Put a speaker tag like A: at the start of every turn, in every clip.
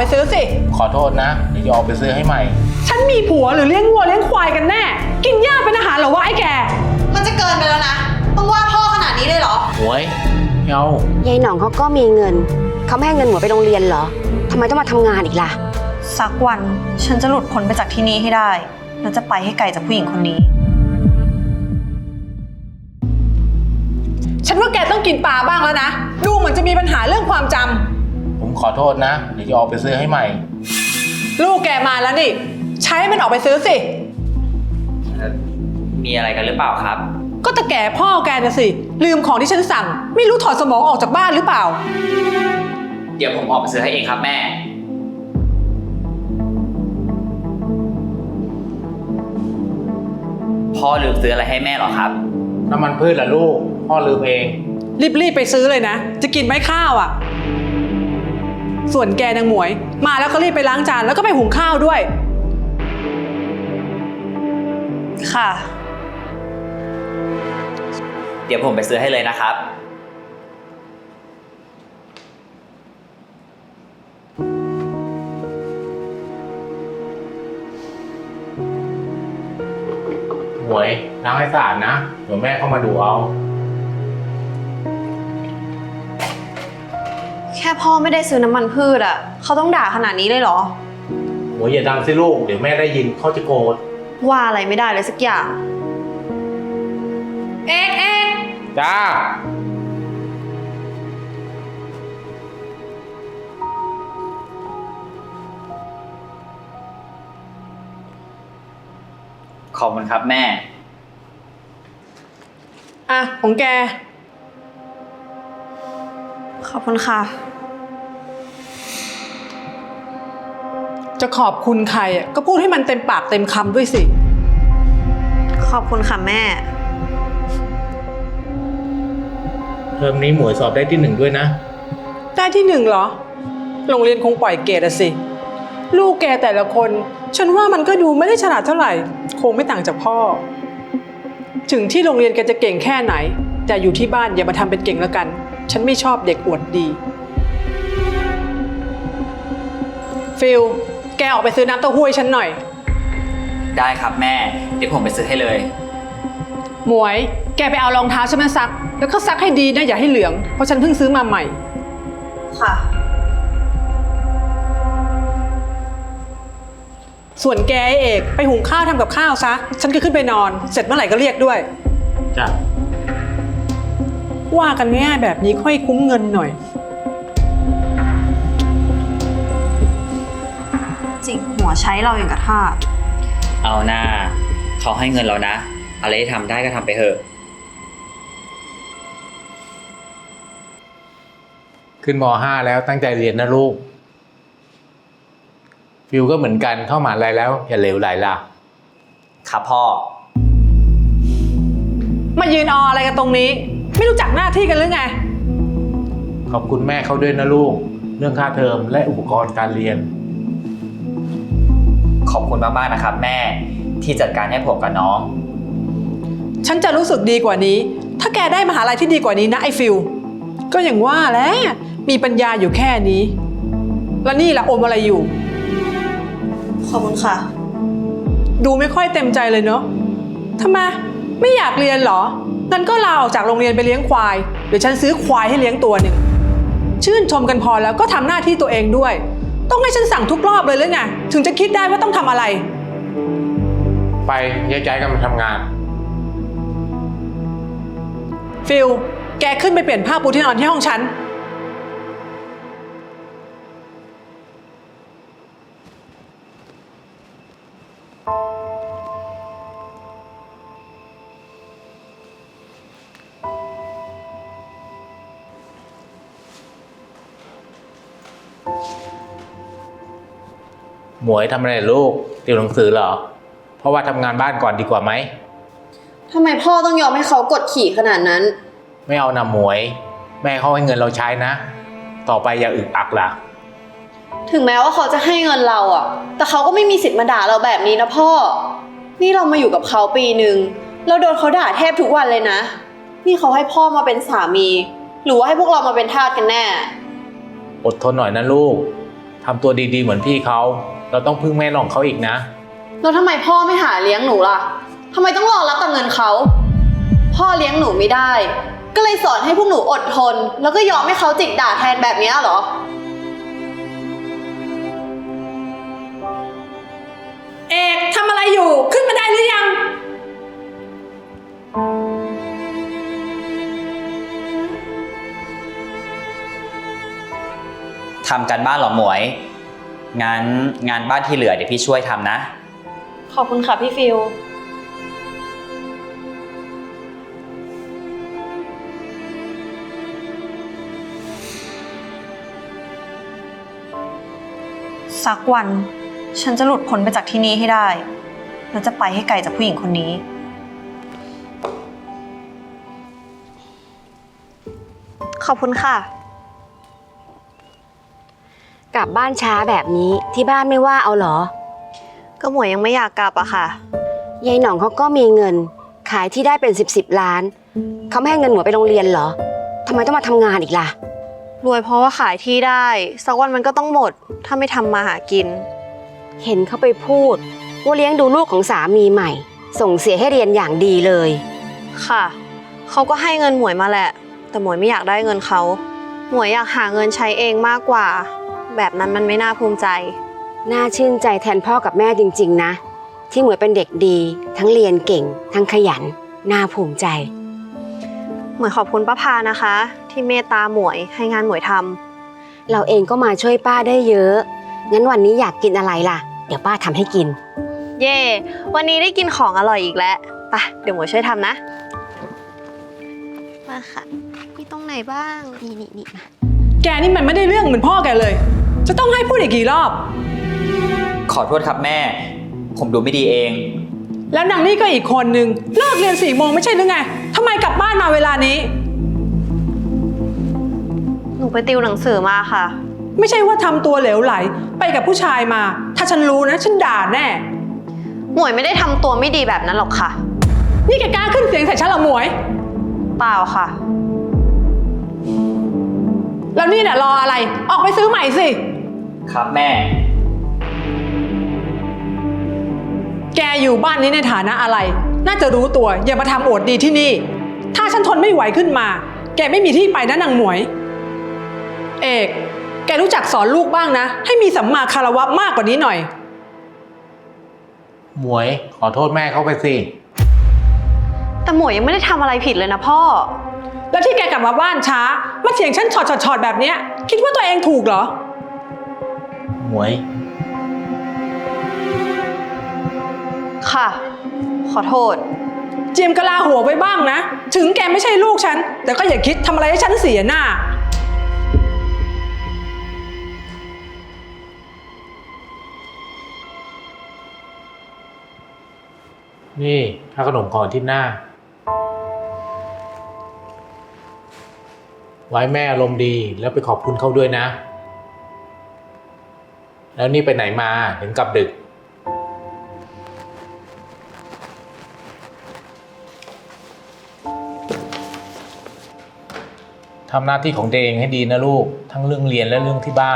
A: ไปซื้อสิ
B: ขอโทษนะเดี๋ยวจะออกไปซื้อให้ใหม่
A: ฉันมีผัวหรือเลี้ยงวัวเลี้ยงควายกันแน่กินหญ้าเป็นอาหารเหรอวะไอ้แก
C: มันจะเกินไปแล้วนะต้องว่าพ่อขนาดนี้เลยเหรอ
B: หวยเอา
D: ยายหน่องเขาก็มีเงินเขาไม่ให้เงินหมวยไปโรงเรียนเหรอทำไมต้องมาทำงานอีกล่ะ
C: สักวันฉันจะหลุดพ้นไปจากที่นี่ให้ได้และจะไปให้ไกลจากผู้หญิงคนนี้
A: ฉันว่าแกต้องกินปลาบ้างแล้วนะดูเหมือนจะมีปัญหาเรื่องความจำ
B: ผมขอโทษนะเดี๋ยวจะออกไปซื้อให้ใหม่
A: ลูกแกมาแล้วนี่ใช้มันออกไปซื้อสิ
E: มีอะไรกันหรือเปล่าครับ
A: ก็ตะแก่พ่อแกนะสิลืมของที่ฉันสั่งไม่รู้ถอดสมองออกจากบ้านหรือเปล่า
E: เดี๋ยวผมออกไปซื้อให้เองครับแม่พ่อลืมซื้ออะไรให้แม่หรอครับ
B: น้ำมันพืชล่ะลูกพ่อลืมเอง
A: รีบไปซื้อเลยนะจะกินไหมข้าวอ่ะส่วนแกนางหมวยมาแล้วก็รีบไปล้างจานแล้วก็ไปหุงข้าวด้วย
C: ค่ะ
E: เดี๋ยวผมไปซื้อให้เลยนะครับ
B: หวยล้างให้สะอาดนะเดี๋ยวแม่เข้ามาดูเอา
C: แค่พ่อไม่ได้ซื้อน้ำมันพืชอ่ะเขาต้องด่าขนาดนี้เลยเหรอ
B: หวยอย่าดังสิลูกเดี๋ยวแม่ได้ยินเขาจะโกรธ
C: ว่าอะไรไม่ได้เลยสักอย่าง
A: เอ๊ะ
B: จ้า
E: ขอบคุณครับแม่
A: อ่ะของแก
C: ขอบคุณค่ะ
A: จะขอบคุณใครอ่ะก็พูดให้มันเต็มปากเต็มคำด้วยสิ
C: ขอบคุณค่ะแม่
B: เทอมนี้หมวยสอบได้ที่1ด้วยนะ
A: ได้ที่1เหรอโรงเรียนคงปล่อยเกรดอะสิลูกแกแต่ละคนฉันว่ามันก็ดูไม่ได้ฉลาดเท่าไหร่คงไม่ต่างจากพ่อถึงที่โรงเรียนแกจะเก่งแค่ไหนแต่อยู่ที่บ้านอย่ามาทำเป็นเก่งแล้วกันฉันไม่ชอบเด็กอวดดีฟิลแกออกไปซื้อน้ำเต้าหู้ให้ฉันหน่อย
E: ได้ครับแม่เดี๋ยวผมไปซื้อให้เลย
A: หมวยแกไปเอารองเท้าฉันมาซักแล้วก็ซักให้ดีนะอย่าให้เหลืองเพราะฉันเพิ่งซื้อมาใหม่
C: ค่ะ
A: ส่วนแกเอกไปหุงข้าวทำกับข้าวซะฉันก็ขึ้นไปนอนเสร็จเมื่อไหร่ก็เรียกด้วย
B: จ้ะ
A: ว่ากันง่ายแบบนี้ค่อยคุ้มเงินหน่อย
C: จิกหัวใช้เราอย่างกระทาส
E: เอาหน้าเขาให้เงินเรานะอะไรที่ทำได้ก็ทำไปเถอะ
B: ขึ้นม.5 แล้วตั้งใจเรียนนะลูกฟิวก็เหมือนกันเข้ามหาลัยแล้วอย่าเหลวไหลล่ะ
E: ครับพ่อ
A: มายืนออะไรกันตรงนี้ไม่รู้จักหน้าที่กันหรือไง
B: ขอบคุณแม่เขาด้วยนะลูกเรื่องค่าเทอมและอุปกรณ์การเรียน
E: ขอบคุณมากๆนะครับแม่ที่จัดการให้ผมกับน้อง
A: ฉันจะรู้สึกดีกว่านี้ถ้าแกได้มหาลัยที่ดีกว่านี้นะไอ้ฟิลก็อย่างว่าแหละมีปัญญาอยู่แค่นี้แล้วนี่ล่ะอมอะไรอยู่
C: ขอบคุณค่ะ
A: ดูไม่ค่อยเต็มใจเลยเนาะทำไมไม่อยากเรียนเหรองั้นก็ลาออกจากโรงเรียนไปเลี้ยงควายเดี๋ยวฉันซื้อควายให้เลี้ยงตัวหนึ่งชื่นชมกันพอแล้วก็ทำหน้าที่ตัวเองด้วยต้องให้ฉันสั่งทุกรอบเลยหรือไงถึงจะคิดได้ว่าต้องทำอะไร
B: ไปแยกย้ายกันมาทำงาน
A: ฟิลแกขึ้นไปเปลี่ยนผ้าปูที่นอนที่ห้องฉัน
B: หมวยทำอะไรลูกติวหนังสือเหรอเพราะว่าทำงานบ้านก่อนดีกว่าไหม
C: ทำไมพ่อต้องยอมให้เขากดขี่ขนาดนั้น
B: ไม่เอานะหมวยแม่เขาให้เงินเราใช้นะต่อไปอย่าอึกอักล่ะ
C: ถึงแม้ว่าเขาจะให้เงินเราอ่ะแต่เขาก็ไม่มีสิทธิ์มาด่าเราแบบนี้นะพ่อนี่เรามาอยู่กับเขาปีนึงเราโดนเขาด่าแทบทุกวันเลยนะนี่เขาให้พ่อมาเป็นสามีหรือว่าให้พวกเรามาเป็นทาสกันแน่
B: อดทนหน่อยนะลูกทำตัวดีๆเหมือนพี่เขาเราต้องพึ่งแม่น้องเขาอีกนะ
C: แล้วทำไมพ่อไม่หาเลี้ยงหนูล่ะทำไมต้องรอรับแต่เงินเขา พ่อเลี้ยงหนูไม่ได้ ก็เลยสอนให้พวกหนูอดทน แล้วก็ยอมให้เขาจิกด่าแทนแบบนี้เหรอ
A: เอกทำอะไรอยู่ขึ้นมาได้หรือยัง
E: ทำการบ้านเหรอหมวย งั้นงานบ้านที่เหลือเดี๋ยวพี่ช่วยทำนะ
C: ขอบคุณค่ะพี่ฟิลสักวันฉันจะหลุดพ้นไปจากที่นี่ให้ได้ และจะไปให้ไกลจากผู้หญิงคนนี้ ขอบคุณค่ะ
D: กลับบ้านช้าแบบนี้ที่บ้านไม่ว่าเอาเหรอ
C: ก็หมวยยังไม่อยากกลับอะค่ะ
D: ยายหน่องเขาก็มีเงิน ขายที่ได้เป็น10 ล้าน เขาไม่ให้เงินหมวยไปโรงเรียนเหรอทำไมต้องมาทำงานอีกล่ะ
C: รวยเพราะว่าขายที่ได้ สักวันมันก็ต้องหมด ถ้าไม่ทำมาหากิน
D: เห็นเขาไปพูดว่าเลี้ยงดูลูกของสามีใหม่ ส่งเสียให้เรียนอย่างดีเลย
C: ค่ะ เขาก็ให้เงินหมวยมาแหละ แต่หมวยไม่อยากได้เงินเขา หมวยอยากหาเงินใช้เองมากกว่า แบบนั้นมันไม่น่าภูมิใจ
D: น่าชื่นใจแทนพ่อกับแม่จริงๆนะ ที่หมวยเป็นเด็กดี ทั้งเรียนเก่ง ทั้งขยัน น่าภูมิใจ
C: หมวยขอบคุณป้าพานะคะ ที่เมตตาหมวยให้งานหมวยทำ
D: เราเองก็มาช่วยป้าได้เยอะ งั้นวันนี้อยากกินอะไรล่ะ เดี๋ยวป้าทำให้กิน
C: เย่วันนี้ได้กินของอร่อยอีกแล้วไปเดี๋ยวหมวยช่วยทำนะมาค่ะมีตรงไหนบ้าง
D: นี่มา
A: แกนี่มันไม่ได้เรื่องเหมือนพ่อแกเลย จะต้องให้พูดอีกกี่รอบ
E: ขอโทษครับแม่ ผมดูไม่ดีเอง
A: แล้วนางนี่ก็อีกคนนึงเลิกเรียน4 โมงไม่ใช่หรือไงทำไมกลับบ้านมาเวลานี้
C: หนูไปติวหนังสือมาค่ะ
A: ไม่ใช่ว่าทำตัวเหลวไหลไปกับผู้ชายมา ถ้าฉันรู้นะฉันด่าแน่
C: หมวยไม่ได้ทำตัวไม่ดีแบบนั้นหรอกค่ะ
A: นี่แกกล้าขึ้นเสียงใส่ฉันเหรอหมวย
C: เปล่าค่ะ
A: แล้วนี่เนี่ยรออะไร ออกไปซื้อใหม่สิ
E: ครับแม่
A: แกอยู่บ้านนี้ในฐานะอะไร น่าจะรู้ตัว อย่ามาทำโอดดีที่นี่ ถ้าฉันทนไม่ไหวขึ้นมา แกไม่มีที่ไปนะนางหมวย เอก แกรู้จักสอนลูกบ้างนะ ให้มีสัมมาคารวะมากกว่านี้หน่อย
B: หมวยขอโทษแม่เขาไปสิ
C: แต่หมวยยังไม่ได้ทำอะไรผิดเลยนะพ่อ
A: แล้วที่แกกลับมาบ้านช้า มาเถียงฉันช็อตแบบเนี้ย คิดว่าตัวเองถูกเหรอ
B: หมวย
C: ค่ะ ขอโทษ
A: เจียมกะลาหัวไว้บ้างนะ ถึงแกไม่ใช่ลูกฉัน แต่ก็อย่าคิดทำอะไรให้ฉันเสียหน้า
B: นี่ถ้าขนมของที่หน้า ไว้แม่อารมณ์ดีแล้วไปขอบคุณเขาด้วยนะ แล้วนี่ไปไหนมาถึงกลับดึก ทำหน้าที่ของตัวเองให้ดีนะลูก ทั้งเรื่องเรียนและเรื่องที่บ้าน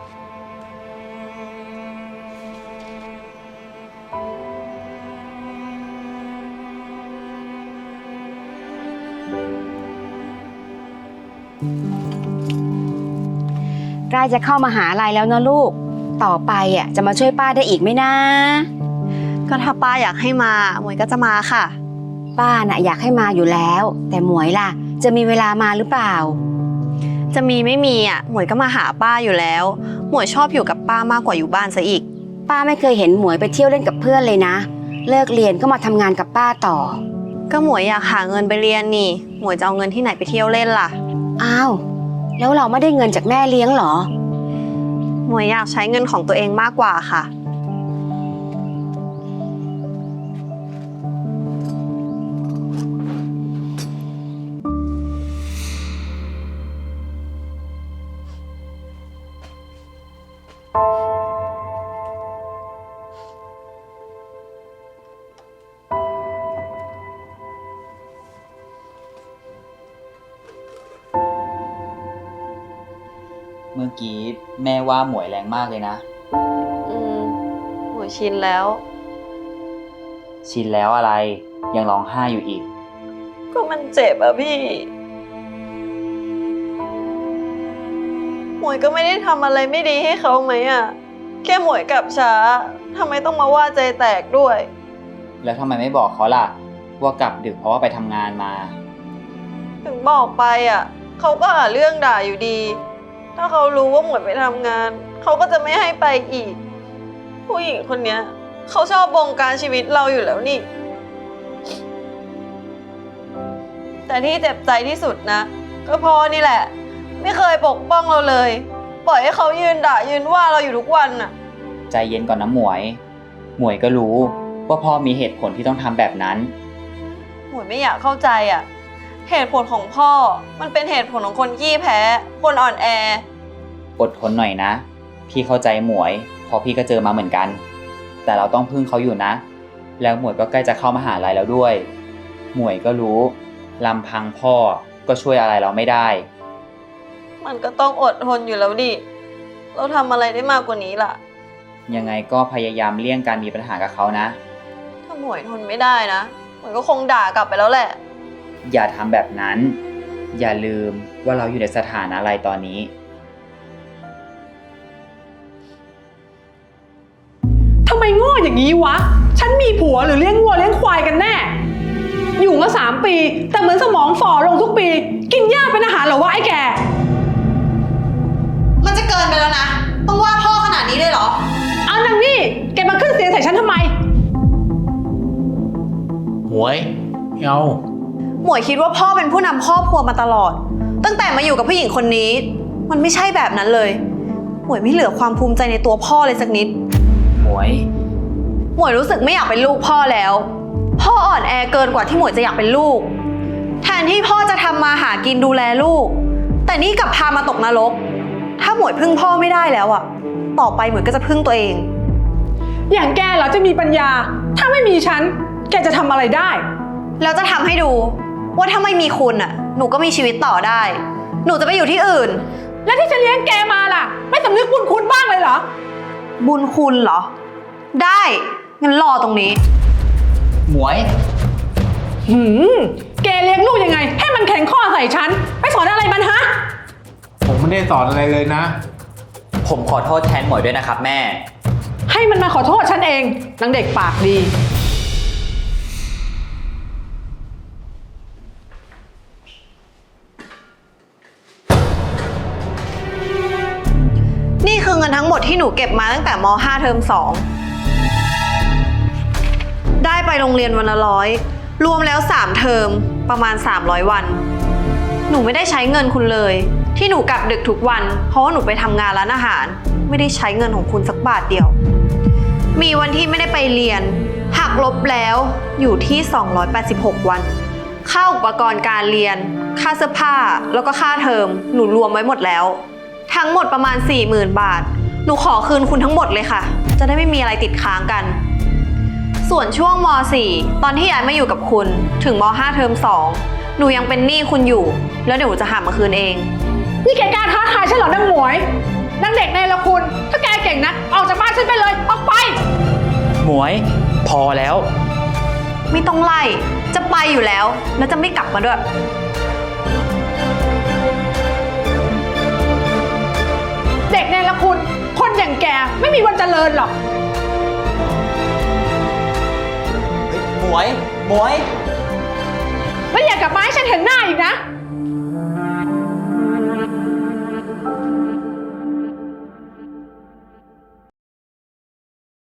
D: ใกล้จะเข้ามหาลัยแล้วนะลูก ต่อไปจะมาช่วยป้าได้อีกไหมนะ
C: ก็ถ้าป้าอยากให้มา หมวยก็จะมาค่ะ
D: ป้าน่ะอยากให้มาอยู่แล้ว แต่หมวยล่ะ จะมีเวลามาหรือเปล่า
C: จะมีไม่มีหมวยก็มาหาป้าอยู่แล้ว หมวยชอบอยู่กับป้ามากกว่าอยู่บ้านซะอีก
D: ป้าไม่เคยเห็นหมวยไปเที่ยวเล่นกับเพื่อนเลยนะ เลิกเรียนก็มาทำงานกับป้าต่อ
C: ก็หมวยอยากหาเงินไปเรียนนี่ หมวยจะเอาเงินที่ไหนไปเที่ยวเล่นล่ะ
D: อ้าว แล้วเราไม่ได้เงินจากแม่เลี้ยงเหรอ
C: หมวยอยากใช้เงินของตัวเองมากกว่าค่ะ
F: กี้แม่ว่าหมวยแรงมากเลยนะ
C: หมวยชินแล้ว
F: ชินแล้วอะไรยังร้องไห้อยู่อีก
C: ก็มันเจ็บอะพี่ หมวยก็ไม่ได้ทำอะไรไม่ดีให้เขาไหมอะแค่หมวยกลับช้าทำไมต้องมาว่าใจแตกด้วย
F: แล้วทำไมไม่บอกเขาล่ะ ว่ากลับดึกเพราะว่าไปทำงานมา
C: ถึงบอกไปอะเขาก็หาเรื่องด่าอยู่ดี ถ้าเขารู้ว่าหมวยไปทำงานเขาก็จะไม่ให้ไปอีก ผู้หญิงคนเนี้ยเขาชอบบงการชีวิตเราอยู่แล้วนี่ แต่ที่เจ็บใจที่สุดนะก็พ่อนี่แหละ ไม่เคยปกป้องเราเลย ปล่อยให้เขายืนด่ายืนว่าเราอยู่ทุกวันน่ะ
F: ใจเย็นก่อนนะหมวย หมวยก็รู้ว่าพ่อมีเหตุผลที่ต้องทำแบบนั้น
C: หมวยไม่อยากเข้าใจอ่ะ เหตุผลของพ่อมันเป็นเหตุผลของคนขี้แพ้ คนอ่อนแอ
F: อดทนหน่อยนะ พี่เข้าใจหมวยเพราะพี่ก็เจอมาเหมือนกัน แต่เราต้องพึ่งเขาอยู่นะ แล้วหมวยก็ใกล้จะเข้ามหาลัยแล้วด้วย หมวยก็รู้ลำพังพ่อก็ช่วยอะไรเราไม่ได้
C: มันก็ต้องอดทนอยู่แล้วดิ เราทำอะไรได้มากกว่านี้ล่ะ
F: ยังไงก็พยายามเลี่ยงการมีปัญหากับเขานะ
C: ถ้าหมวยทนไม่ได้นะหมวยก็คงด่ากลับไปแล้วแหละ
F: อย่าทำแบบนั้น อย่าลืมว่าเราอยู่ในสถานะอะไรตอนนี้
A: ทำไมโง่อย่างนี้วะ ฉันมีผัวหรือเลี้ยงวัวเลี้ยงควายกันแน่ อยู่มา3 ปี แต่เหมือนสมองฝ่อลงทุกปี กินหญ้าเป็นอาหารเหรอวะไอ้แก
C: มันจะเกินไปแล้วนะ ต้องว่าพ่อขนาดนี้เลยเหรอ
A: เอานางนี่ แกมาขึ้นเสียงใส่ฉันทำไม
B: หมวยไม่เอา
C: หมวยคิดว่าพ่อเป็นผู้นำครอบครัวมาตลอด ตั้งแต่มาอยู่กับผู้หญิงคนนี้ มันไม่ใช่แบบนั้นเลย หมวยไม่เหลือความภูมิใจในตัวพ่อเลยสักนิด
F: หมวย
C: หมวยรู้สึกไม่อยากเป็นลูกพ่อแล้ว พ่ออ่อนแอเกินกว่าที่หมวยจะอยากเป็นลูก แทนที่พ่อจะทำมาหากินดูแลลูก แต่นี่กลับพามาตกนรก ถ้าหมวยพึ่งพ่อไม่ได้แล้วอะต่อไปหมวยก็จะพึ่งตัวเอง
A: อย่างแกเหรอจะมีปัญญา ถ้าไม่มีฉัน แกจะทำอะไรได้
C: แล้วจะทำให้ดูว่าถ้าไม่มีคุณอะหนูก็มีชีวิตต่อได้ หนูจะไปอยู่ที่อื่น
A: แล้วที่ฉันเลี้ยงแกมาล่ะ ไม่สำนึกบุญคุณบ้างเลยเหรอ
C: บุญคุณเหรอ ได้งั้นรอตรงนี้
F: หมวย
A: แกเลี้ยงลูกยังไง ให้มันแข็งข้อใส่ฉัน ไปสอนอะไรมันฮะ
B: ผมไม่ได้สอนอะไรเลยนะ
F: ผมขอโทษแทนหมวยด้วยนะครับแม่
A: ให้มันมาขอโทษฉันเองนางเด็กปากดี
C: นี่คือเงินทั้งหมดที่หนูเก็บมาตั้งแต่ม.5 เทอม 2 ได้ไปโรงเรียนวันละ100 รวมแล้ว3เทอมประมาณ300วัน หนูไม่ได้ใช้เงินคุณเลย ที่หนูกลับดึกทุกวัน เพราะว่าหนูไปทำงานร้านอาหาร ไม่ได้ใช้เงินของคุณสักบาทเดียว มีวันที่ไม่ได้ไปเรียน หักลบแล้วอยู่ที่286วัน ค่าอุปกรณ์การเรียน ค่าเสื้อผ้า แล้วก็ค่าเทอม หนูรวมไว้หมดแล้ว ทั้งหมดประมาณ 40,000 บาท หนูขอคืนคุณทั้งหมดเลยค่ะ จะได้ไม่มีอะไรติดค้างกัน ส่วนช่วงม.4 ตอนที่ย้ายมาอยู่กับคุณ ถึงม.5 เทอม 2 หนูยังเป็นหนี้คุณอยู่ แล้วเดี๋ยวหนูจะหามาคืนเอง
A: นี่แกกล้าท้าทายฉันเหรอนางหมวยนางเด็กในละคุณ ถ้าแกเก่งนะ ออกจากบ้านฉันไปเลย ออกไป
F: หมวย พอแล้ว
C: ไม่ต้องไล่ จะไปอยู่แล้ว แล้วจะไม่กลับมาด้วย
A: เด็กในละคุณ คนอย่างแกไม่มีวันเจริญหรอก
F: หมวย หมวย
A: แล้วอย่ากลับมาให้ฉันเห็นหน้าอีกนะ